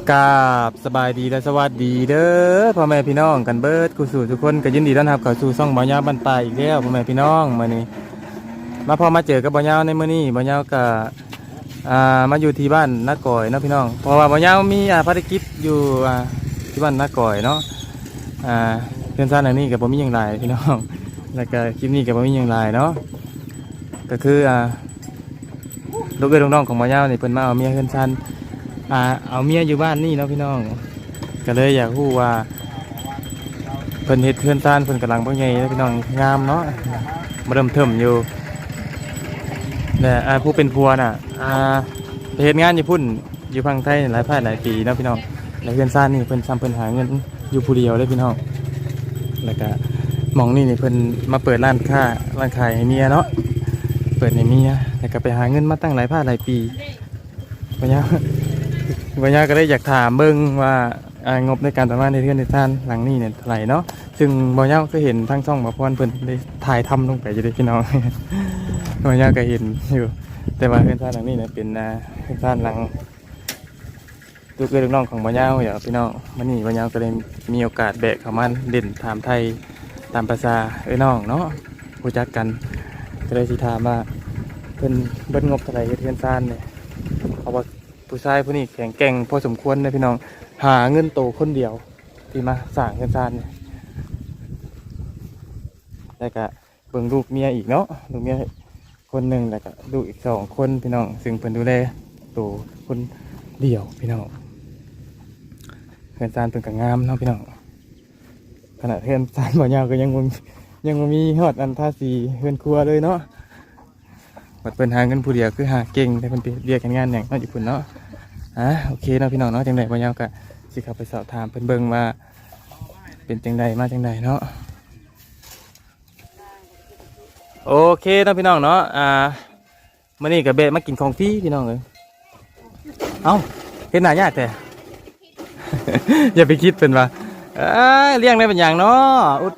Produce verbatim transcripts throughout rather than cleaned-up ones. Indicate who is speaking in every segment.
Speaker 1: กราบสบายดีและสวัสดีเด้อพ่อแม่พี่น้องกันเบิดกูสู่ทุกคนก็ยินดีต้อนรับเข้าสู่ช่องบ่าวยาวบ้านป่าอีกแล้วพ่อแม่พี่น้องมื้อนี้มาพอมาเจอกับบ่าวยาวในมื้อนี้บ่าวยาวก็อ่ามาอยู่ที่บ้านนาก่อยเนาะพี่น้องเพราะว่าบ่าวยาวมีอ่าภารกิจอยู่อ่าที่บ้านนาก่อยเนาะอ่าเพื่อนซ่านอันนี้ก็บ่มีหยังหลายพี่น้องแล้วก็คลิปนี้ก็บ่มีหยังหลายเนาะก็คืออ่าลูกเอ้ยน้องๆของบ่าวยาวนี่เพิ่นมาเอาเมียเพื่อนซ่านอ่าเอาเมียอยู่บ้านนี่เนาะพี่น้องก็เลยอยากรู้ว่าเพิ่นเฮ็ดเพื่อนซ่านเพิ่นกำลังบ่ใหญ่นะพี่น้องงามเนาะมาเริ่มเทิมอยู่แต่อ่าผู้เป็นผัวน่ะอ่าไปเฮ็ดงานอยู่พุ่นอยู่ฝั่งไทยหลายภาคหลายปีเนาะพี่น้องแล้วเพื่อนซ่านนี่เพิ่นซ้ำเพิ่นหาเงินอยู่ผู้เดียวเลยพี่น้องแล้วก็หม่องนี่นี่เพิ่นมาเปิดร้านค้าร้านขายให้เมียเนาะเปิดให้เมียแล้วก็ไปหาเงินมาตั้งหลายภาคหลายปีบ่ยาวบ่ยาวก็เลยอยากถามเบิ่งว่าอ่างบในการประมาณในเรือนในท่านหลังนี้เนี่ยเท่าไหร่เนาะซึ่งบ่ยาวก็เห็นทั้งช่องบ่พรเพิ่นได้ถ่ายทำลงไปอยู่เด้พี่น้อง บ่ยาวก็เห็นอยู่แต่ว่าเรือนท่านหลังนี้เนี่ยเป็นอ่าเรือนท่านหลังลูกเอ้ยลูกน้องของบ่ยาวอย่าพี่น้องมื้อนี้บ่ยาวก็เลยมีโอกาสแบกเข้ามาเล่นถามไทยตามภาษาเอ้ยน้องเนาะรู้จักกันก็เลยสิถามว่าเพิ่นเบิดงบเท่าไหร่เฮ็ดเรือนท่านเนี่ยเพราะว่าผู้ชายผู้นี้แข็งแกร่งพอสมควรนะพี่น้องหาเงินโตคนเดียวที่มาสร้างเงินซานเนี่ยแล้วก็เบิ่งลูกเมียอีกเนาะลูกเมียคนหนึ่งแล้วก็ลูกอีกสองคนพี่น้องซึ่งเพิ่นดูแลโตคนเดียวพี่น้องเงินซานเป็นกังามเนาะพี่น้องขณะเงินซานบ่ยาวก็ยังบ่ยังบ่มีฮอดอันท่าสีเฮือนครัวเลยเนาะบัดเพิ่นหาเงินผู้เดียวคือหาเก่งแต่เพิ่นไปเรียกกันงานหยังเนาะอยู่พุ่นเนาะอ่ะโอเคเนาะพี่น้องเนาะจังไดบ่ยาวก็สิเข้าไปสอบถามเพิ่นเบิ่งว่าเป็นจังไดมาจังไดเนาะโอเคเนาะพี่น้องเนาะอ่ามื้อนี้ก็เบะมากินของฟรีพี่น้องเอ้ยเอ้าเฮ็ดหน้ายากแต่ อย่าไปคิดเพิ่นว่าเอ้ยเลี้ยงได้เป็นหยังเนาะอุด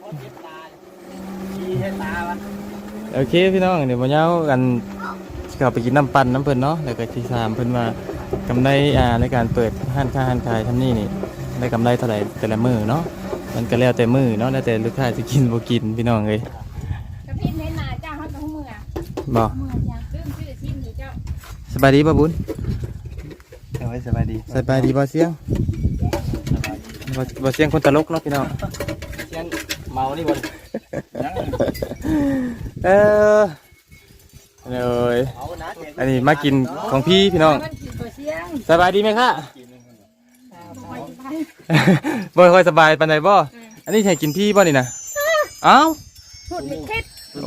Speaker 1: โอเคพี่น้องเดี๋ยวบ่ยาวกันเข้าไปกินน้ำปั่นน้ำเพิ่นเนาะแล้วก็สิถามเพิ่นว่ากำไรอ่าในการเปิดห้างค้าห้างขายทำนี่นี่ได้กำไรเท่าไหร่แต่ละมือเนาะมันก็แล้วแต่มือเนาะแล้วแต่ลูกค้าจะกินบ่กินพี่น้องเลย
Speaker 2: กระพริบเน้นหนาเจ้าเขาต้องมืออ่ะ
Speaker 1: บ่
Speaker 2: มือจ้าซึ่งชื่อชิมอยู่เจ้า
Speaker 1: สบายดีบ่บุญ
Speaker 3: เอาไว้สบายดี
Speaker 1: สบายดีบ่เสียงบ่บ่เสียงคนตลกเนาะพี่น้อง
Speaker 3: เสียงเมานี่บน
Speaker 1: เออเลยอันนี้มากินของพี่พี่น้อง
Speaker 2: มันขี่ตัวเชียง
Speaker 1: สบายดีไหมคะ
Speaker 2: ไปไป
Speaker 1: บ่ค่อยสบายปานใดบ่อันนี้ให้กินพี่บ่นี่นะเอ้า
Speaker 2: พูดไม่คิด
Speaker 1: โอ้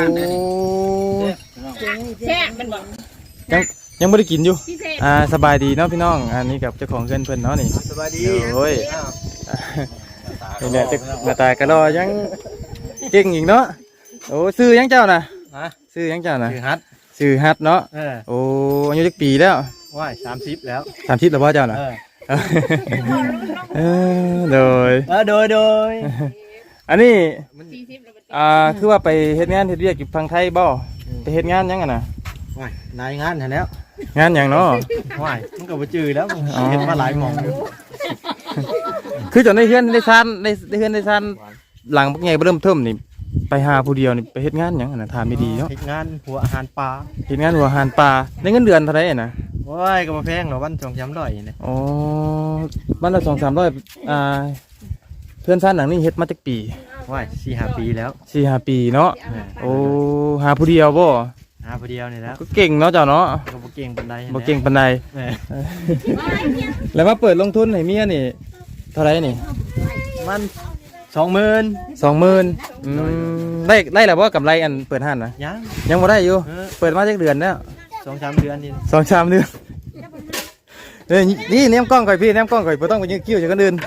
Speaker 2: แช่มันบอก
Speaker 1: ยังยังไม่ได้กินอยู่
Speaker 2: พิเศษ
Speaker 1: อ่าสบายดีเนาะพี่น้องอันนี้กับเจ้าของเงินเพิ่นเนาะนี่
Speaker 3: สบายดี
Speaker 1: โอ้ยนี่แหละจะหน้าตากระรอยังเก่งอีกเนาะโอ้ซื้อยังเจ้าน่ะ
Speaker 3: ฮะ
Speaker 1: ซื้อยังเจ้าน่ะ
Speaker 3: คือฮัท
Speaker 1: ซื้อฮัดเนาะ
Speaker 3: เออ
Speaker 1: โอ้อายุจักปีแล้ว
Speaker 3: ว่ายสามสิบแล้ว
Speaker 1: สามสิบแล้วพ่อเจ้าน่ะ
Speaker 3: เออ
Speaker 1: เออโดย
Speaker 3: เออโดยโดย
Speaker 1: อันนี้
Speaker 2: สี่สิบแล้ว
Speaker 1: อ่าคือว่าไปเฮ็ดงานเฮ็ดเวียกอยู่ฝั่งไทยบ่ไปเฮ็ดงานยังไงน่ะ
Speaker 3: ว่ายนายงานเห็นแล้ว
Speaker 1: งานหยังเนาะ
Speaker 3: ว่ายมันก็บ่จืดแล้วเห็นมาหลายหมองอยู่
Speaker 1: คือจนได้เฮือนได้ซ่านได้ได้เฮือนได้ซ่านหลังพวกใหญ่เริ่มเทิมนี่ไปหาผู้เดียวนี่ไปเฮ็ดงานหยังน่ะถามดีๆเนาะ
Speaker 3: เฮ็ดงานหัวอาหารปลา
Speaker 1: เฮ็ดงานหัวอาหารปลาได้เงินเดือนเท่าไหร่น่ะ
Speaker 3: ว่ายก็บ่แพงหรอกวันสองสามร้อยนี่
Speaker 1: อ๋อบ้านละ สองถึงสามร้อย อ่าเพื่อนซ่านหลังนี้เฮ็ดมาจักปี
Speaker 3: ว่ายสี่ห้าปีแล้ว
Speaker 1: สี่ห้าปีเนาะโอ้หาผู้เดียวบ่
Speaker 3: หาผู้เดียวนี่แล้ว
Speaker 1: ก็เก่งเนาะเจ้าเนาะ
Speaker 3: ก็บ่เก่งปานใด
Speaker 1: บ่เก่งปานใด
Speaker 3: เออ
Speaker 1: แล้วมาเปิดลงทุนให้เมียนี่เท่าไหร่นี่
Speaker 3: มันสองหมื่น
Speaker 1: สองหมื่นอืมได้ได้แล้วบ่กำไรอันเปิดห้านน่ะ
Speaker 3: ยัง
Speaker 1: ยังบ่ได้อยู่
Speaker 3: เออ
Speaker 1: เปิดมาจักเดือนแล้ว
Speaker 3: สองสามเดือนนี่
Speaker 1: สองสามเดือนเอ้ยนี่แนมกล้องก่อยพี่แนมกล้องก่อยบ่ต้องไปยื้อคิ้วจากคนอื่น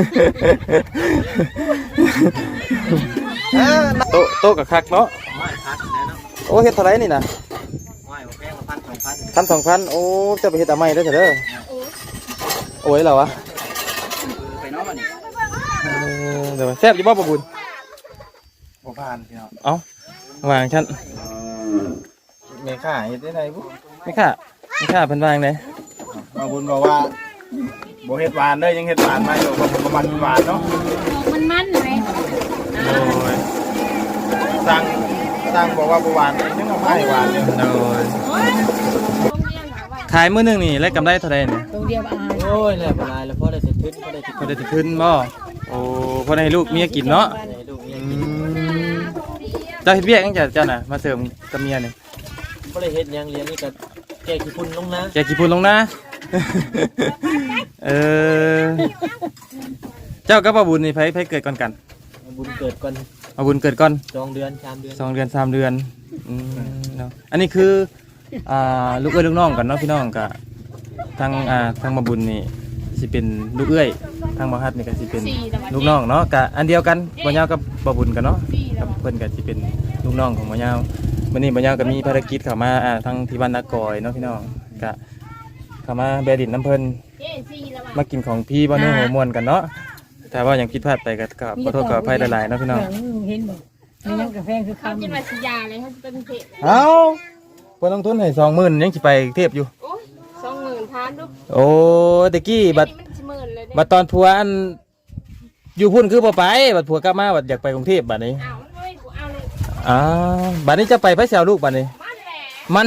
Speaker 1: โต๊ะโต๊ะกับคักเนาะ
Speaker 3: ว่ายพักแล้วเนาะ
Speaker 1: โอ้เฮ็ดเท่าไหร่นี่นะ
Speaker 3: ว่ายบ่แพงละพันสองพัน
Speaker 1: พันสองพันโอ้เจะไปเฮ็ดอะไรได้อเถอะเด้อโอ้ยเหรอวะ
Speaker 3: ไปเนาะบัดนี้
Speaker 1: เออเดี๋ยวแซ่บอยู่บ่บ่บุญ
Speaker 3: บ่ผ่านพี่น้อง
Speaker 1: เอ้า วางชั้น
Speaker 3: เมค่าเฮ็ดได้ไดบุ
Speaker 1: ไม่ค่ะไม่ค่ะเพิ่นวางเลย
Speaker 3: มาบุญบอกว่าบบ่เฮ็ดหวานเด้อยังเฮ็ดหวานมาอยู่บ่ประมาณหวานเนาะ
Speaker 2: มันมันเลย
Speaker 1: โอ้ย
Speaker 3: สั่งสั่งบอกว่าบ่หวานยังเอาให้หวานอยู่
Speaker 1: โอ้ยขายมื้อหนึงนี่ได้กำไรเท่าใดนี่
Speaker 2: ตรงเดียวอ่าน
Speaker 3: โอ้ยแล้วบ่ลายแล้วพอได้สิขึ้นพอได้สิ
Speaker 1: พอได้สิขึ้นบ่โอ้พอได้ให้ลูกเมียกินเนาะ
Speaker 3: ให้ลูก
Speaker 1: อื
Speaker 3: เมียกิน
Speaker 1: มเจ้าเฮ็ดเวียกจังจ้ะเจ้าน่ะมาเสริมกับเมียนี่
Speaker 3: บ่ได้เฮ็ดหยังเรียนนี่ก็แก้ขี้ฝุ่นลงนะ
Speaker 1: แกกี่พูนลงนะ เออเจ้ากับป้าบุญนี่ไผไผเกิดก่อนกัน
Speaker 3: บุญเกิดก่อน
Speaker 1: ป้าบุญเกิดก่อน
Speaker 3: สองเดือนสามเดือน
Speaker 1: สองเดือนสามเดือนอืมเนาะอันนี้คืออ่าลูกเอ้ยลูกน้องกันเนาะพี่น้องกะทางอ่าทางมาบุญนี่สิเป็นลูกเอ้ยทางมหัดนี่ก็สิเป็นลูกน้องเนาะกะอันเดียวกันบ่ยาวกับบ่บุญกันเนาะกับเพิ่นก็สิเป็นลูกน้องของบ่ยาวมื้อนี้บ่ยาวก็มีภารกิจเข้ามาอ่าทางที่บ้านนากอยเนาะพี่น้องกะเข้ามาแบดินน้ำเพิ่นมากินของพี่บ่เนื้อหัวม่วนกันเนาะแต่ว่าอย่างผิดพลาดไปก็ก็ขอโทษขออภัยหลายๆเนาะพี่น้อง
Speaker 2: เห็นบ่มีน้ำกาแฟคือคำกินมาสิยาเลยเขาเป็นเพจ
Speaker 1: เอ้าเพิ่นลงทุนให้สองหมื่นยังสิไปกรุงเทพอยู่
Speaker 2: โอ้ยสองหมื่นทานลูก
Speaker 1: โอ้ตะกี้บัด
Speaker 2: มันสิหมื่นเลย
Speaker 1: บัดตอนผัวอันอยู่พุ่นคือบ่ไปบัดผัวกลับมาบัดอยากไปกรุงเทพบัดนี้
Speaker 2: เอาเลยกูเอาเลย
Speaker 1: อ้าวบัดนี้จะไปพระเสาลูกบัดนี้
Speaker 2: มันแหละ
Speaker 1: มัน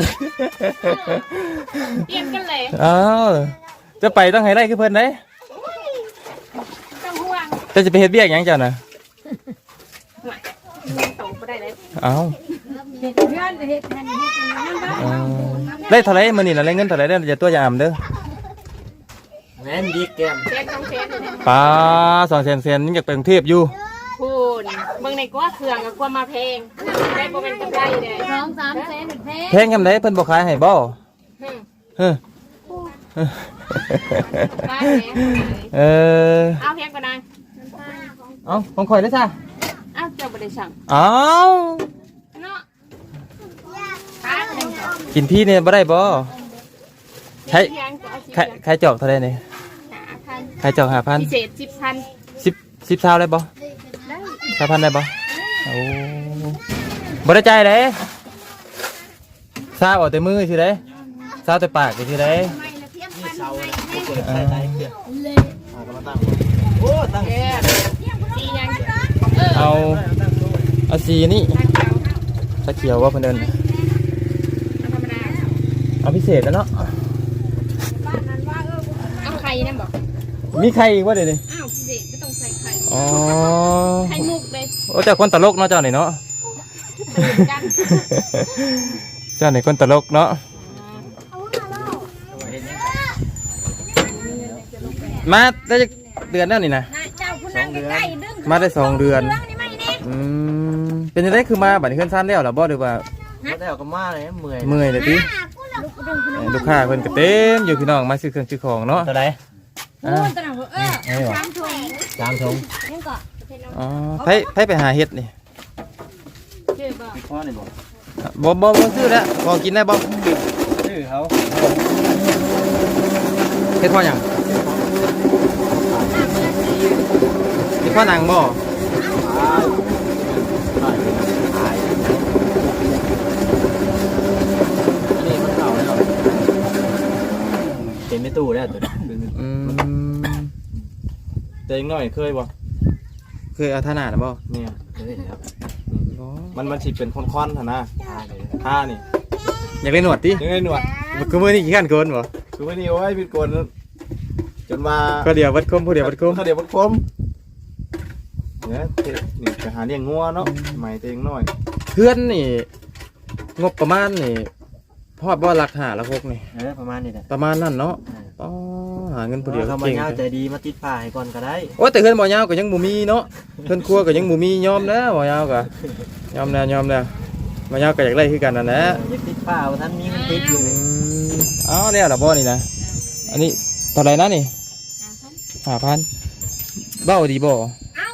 Speaker 2: เปลี่ยนกันเลย
Speaker 1: อ้าวจะไปต้องให้ได้คือเพิ่นเด้
Speaker 2: ต้องห่วง
Speaker 1: แต่จะไปเฮ็ดเบี้ยกหยังเจ้าน่ะ
Speaker 2: มันโตไปได้เลย
Speaker 1: อ้าว
Speaker 2: เฮ็ดเพื่อนเฮ็ดนั่นเฮ็ดนั่นบ้าง
Speaker 1: เออได้เท่าไหร่มื้อนี้น่ะได้เงินเท่าไหร่เด้ออย่าตัวอย่าอำเด้อ
Speaker 3: แม่นดีแก้ม
Speaker 2: เซนต้องเซนเลย
Speaker 1: ป้าสองแสนเซนยังอยากไปกรุงเทพอยู่
Speaker 2: พูนเบิ่งในกว่าเครื่องกับกว่ามาเพลงได้บ่เป็นกำไรเลยสองสามเซนเพลง
Speaker 1: แพงยำไดเพิ่นบ่ขายให้บ่เฮ้อ
Speaker 2: ได้แหม
Speaker 1: เออ
Speaker 2: เอาแพงกว่านั้น
Speaker 1: เอ้าของข่อยเด้อจ้ะ
Speaker 2: เอาเจ้าบ่ได้สั่ง
Speaker 1: เอ้า
Speaker 2: เนาะค้าเป็นจ้ะ
Speaker 1: กินพี่เนี่ยบ่ได้บ่ใคร
Speaker 2: เพียงจะเอาสิ
Speaker 1: ใครใครจอกเท่าไหร่นี่
Speaker 2: หาพัน
Speaker 1: ใครจอกห้าพัน
Speaker 2: พิเศษสิบพัน
Speaker 1: สิบสิบเท่าได้บ่
Speaker 2: ได้
Speaker 1: สามพันได้บ่โอ้บ่ได้ใจายเด้ซาเอาแต่มือสิเด้ซาแต่ปากสิเด้
Speaker 3: นี่เสาบ่เกิดใส่ใต้เครื่องเอาก็มาตั้งโอ้ตั้ง
Speaker 2: เออสียังเออ
Speaker 1: เอาเอาสีนี่
Speaker 2: ทางเก่า
Speaker 1: ตะเขียวว่าเพิ่นเอิ้น
Speaker 2: ธรรมดา
Speaker 1: เอาพิเศษแล้วเนาะ
Speaker 2: เอาไข่นั่นบอก
Speaker 1: มีใครอีกบ่เดี๋ยวนี้
Speaker 2: อ้าวพิเศษก็ต้องใส่ไข่
Speaker 1: อ๋อ
Speaker 2: ไข่มุกเลย
Speaker 1: โอ้เจ้าคนตลกเนาะเจ้านี่เนาะ
Speaker 2: กัน
Speaker 1: เจ้านี่คนตลกเนาะมาได้จักเดือนแล้วนี่นะ
Speaker 2: เจ้าผู้นั่งใกล้ๆดึง
Speaker 1: มาได้สองเดือน
Speaker 2: เรื่องนี้ไม่เนี่ย
Speaker 1: อืมเป็นยังไงคือมาบัดนี้ขึ้นสั้นแล้วเหรอบ่หรือว่า
Speaker 3: บ่ได้เอาก็มาเลยเมื่อย
Speaker 1: เมื่อยเลยติเอ้ยลูกค้าเพิ่นก็เต็มอยู่พี่น้องมาซื้อเครื่องซื้อของเนาะ
Speaker 3: เท่าไหร่
Speaker 1: อ่า
Speaker 2: ตระหนักว่าเออ
Speaker 1: ไอ้บ่
Speaker 2: สามถุง
Speaker 3: สามถุง
Speaker 2: นี่ก็
Speaker 1: อ๋อไผไผไปหาเฮ็ดนี่
Speaker 2: เชื่อบอก
Speaker 3: พ่อนี่บ่
Speaker 1: บ่บ่บ่ซื้อแล้วพอกินได้บ่
Speaker 3: ชื่อเขา
Speaker 1: เฮ็ดพ่อหยังเฮ็ดพ่อหนังบ่
Speaker 3: นี่มันเก่าแล้วเต็มไม่ตู้แล้วตัวนี้
Speaker 1: อืมแต่ยังน้อยเคยบ่เคยเอาท่าหน้าน่ะบ่
Speaker 3: เนี่ยเลยครับ
Speaker 1: บ่
Speaker 3: มันมันสิเป็นค่อนๆหั่นนะท่านี่
Speaker 1: อยากได้หนวดติ
Speaker 3: ยังไงหนวด
Speaker 1: คือมื้อนี้ขี้ขันเกินบ่
Speaker 3: คือวันนี้โอ้ยพี่โกนจนมา
Speaker 1: ก็เดี๋ยววัดคมผู้เดียววัดคม
Speaker 3: เขาเดี๋ยววัดคมเนี่ยนี่ไปหาเลี้ยงงัวเนาะใหม่ตัวเองหน่อย
Speaker 1: เพื่อนนี่งบประมาณนี่พอดบ่หลักหาละหกนี่
Speaker 3: เออประมาณนี้แหละ
Speaker 1: ประมาณนั้นเนาะอ๋อหาเงินผู้เดียว
Speaker 3: เขามา
Speaker 1: เก่ง
Speaker 3: เงาใจดีมาติดผ้าให้ก่อนก็ได้
Speaker 1: โอ้แต่เพื่อนบ่ยาวก็ยังบ่มีเนาะเพื่อนครัวก็ยังบ่มียอมแล้วบ่ยาวก็ยอมแล้วยอมแล้วบ่ยาวก็อยากได้คือกันนั่นแหละ
Speaker 3: ยังติดผ้าว่าท่านมีมันติดอยู่
Speaker 1: อืมเอาแล้วล่ะบ่นี่นะอันนี้เท่าไหร่นะนี่ห้าพันเบ้าดีบ่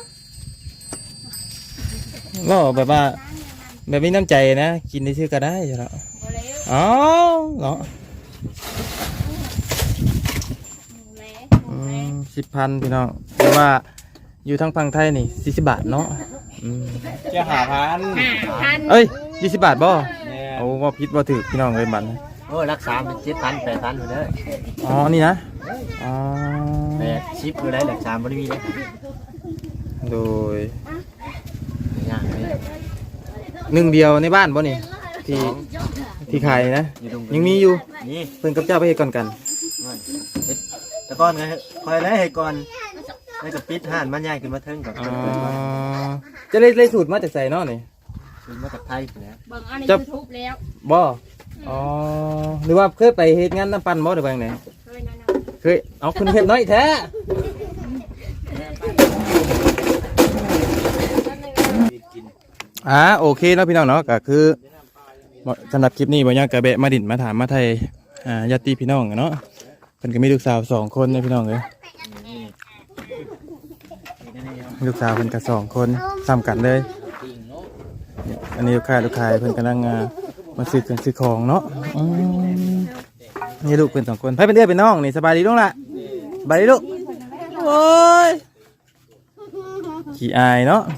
Speaker 1: เบ้าแบบว่าแบบมีน้ำใจนะกินได้ชื่อก็ได้จ้ะเนาะอ๋อเนาะสิบพันพี่น้องแต่ว่าอยู่ทางฝั่งไทยนี่สี่สิบบาทเนาะอืม
Speaker 3: จะหาพัน
Speaker 2: ห้าพัน
Speaker 1: เอ้ยยี่สิบบาทบ่
Speaker 3: เนี่ย
Speaker 1: เอาว่าพิษว่าถือพี่น้องเลยบัตร
Speaker 4: โอ้รักษาเป็นเจ็ดพันแปดพันอยู่เลย
Speaker 1: อ๋อนี่นะอ๋อ
Speaker 4: แปดชิปอยู่ได้รักษาบริวีเลย
Speaker 1: โดย
Speaker 4: ยากเลย
Speaker 1: หนึ่งเดียวในบ้านบ่นี่ที่ที่ขายนะ
Speaker 4: อยู่ตรง
Speaker 1: ยังมีอยู่
Speaker 4: นี่
Speaker 1: เพิ่นกับเจ้าไปเฮ็ดก่อนกัน
Speaker 4: แต่ก่อนไงคอยแล้วให้ก่อนแล้วก็ปิดห้านมันใหญ่ขึ้นมาเทิงกับ
Speaker 1: อ๋อจะได้ได้สูตรมาจากไสเนาะนี่
Speaker 4: ขึ้นมาจากไทยแล้ว
Speaker 2: เบิ่งอันใน YouTube แล้ว
Speaker 1: บ่อ๋อหรือว่าเคยไปเฮ็ดงานน้ำปั่นบ่หรือว่าจังได
Speaker 2: เคยนั่นน่ะ
Speaker 1: เคยเอาคุณเฮ็ดน้อยแท้อ่าโอเคเนาะพี่น้องเนาะก็คือสำหรับคลิปนี้บ่ยากกะแบะมาดินมาถามมาไทยอ่าญาติพี่น้องเนาะเพิ่นก็มีลูกสาวสองคนนะพี่น้องเอ้ยมีลูกสาวเพิ่นก็สองคนซ้ำกันเลยอันนี้ลูกค้าลูกค้าเพิ่นกำลังอ่ามาซื้อเครื่องซื้อของเนาะอืมนี่ลูกเพิ่นสองคนไผเป็นเอื้อเป็นน้องนี่สบายดีลูกล่ะสบายดีลูกโอ้ยขี้อายเนาะ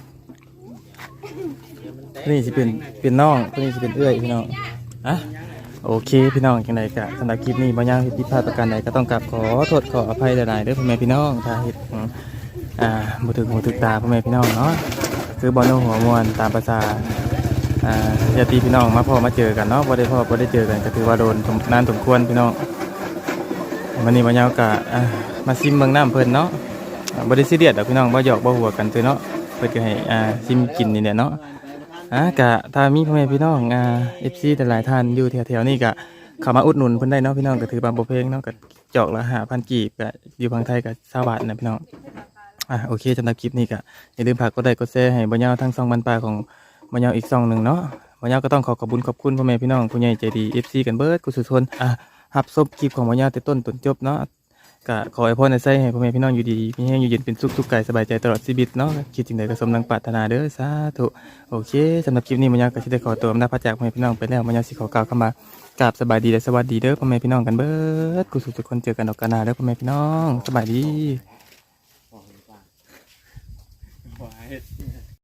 Speaker 1: นี่สิเป็นเป็นน้องตัวนี้สิเป็นเอื้อยพี่น้องอ่ะโอเคพี่น้องจังไดกะสำหรับคลิปนี้บ่ยาวผิดพลาดประการใดก็ต้องกราบขอโทษขออภัยหลายๆเด้อพ่อแม่พี่น้องถ้าเฮ็ดอืมอ่าบ่ถึงหูถึกตาพ่อแม่พี่น้องเนาะคือบ่โน้หัวมวนตามภาษาอ่าญาติพี่น้องมาพ่อมาเจอกันเนาะบ่ได้พ่อบ่ได้เจอกันก็ถือว่าโดนสมนานสมควรพี่น้องวันนี้บ่ยาวกะอ่ามาซิมเบิ่งน้ำเพิ่นเนาะอ่าบ่ได้ซีเรียสดอกพี่น้องบ่หยอกบ่หัวกันซื่อเนาะเพิ่นก็ให้อ่าซิมกินนี่แหละเนาะอ่ากะถ้ามีพ่อแม่พี่น้องอ่า เอฟ ซี หลายๆท่านอยู่แถวๆนี้ก็เข้ามาอุดหนุนเพิ่นได้เนาะพี่น้องก็ถือว่าบ่แพงเนาะก็จอกละห้าพันกีบก็อยู่ฝั่งไทยก็ยี่สิบบาทนะพี่น้องอ่ะโอเคสำหรับคลิปนี้ก็อย่าลืมฝากกดไลค์กดแชร์ให้บ่ยาวทั้งสองบรรปลาของบ่ยาวอีกสองหนึ่งเนาะบ่ยาวก็ต้องขอขอบคุณขอบคุณพ่อแม่พี่น้องผู้ใหญ่ใจดี เอฟ ซี กันเบิดกุศลชนอ่ะรับชมคลิปของบ่ยาวแต่ต้นจนจบเนาะก็ขอให้พ่อในไส้ให้พ่อแม่พี่น้องอยู่ดีมีแห้งอยู่เย็นเป็นสุขสุขกายสบายใจตลอดชีวิตเนาะคิดสิ่งใดก็สมดังปรารถนาเด้อสาธุโอเคสำหรับคลิปนี้บ่ยาวก็สิได้ขอตัวอำลาพระจากพ่อแม่พี่น้องไปแล้วบ่ยาวสิขอกล่าวคำว่ากราบสบายดีและสวัสดีเด้อพ่อแม่พี่น้องกันเบิดกุศลทุกคนเจอกันดอกกานาเด้อพ่อแม่พี่น้องสบายดี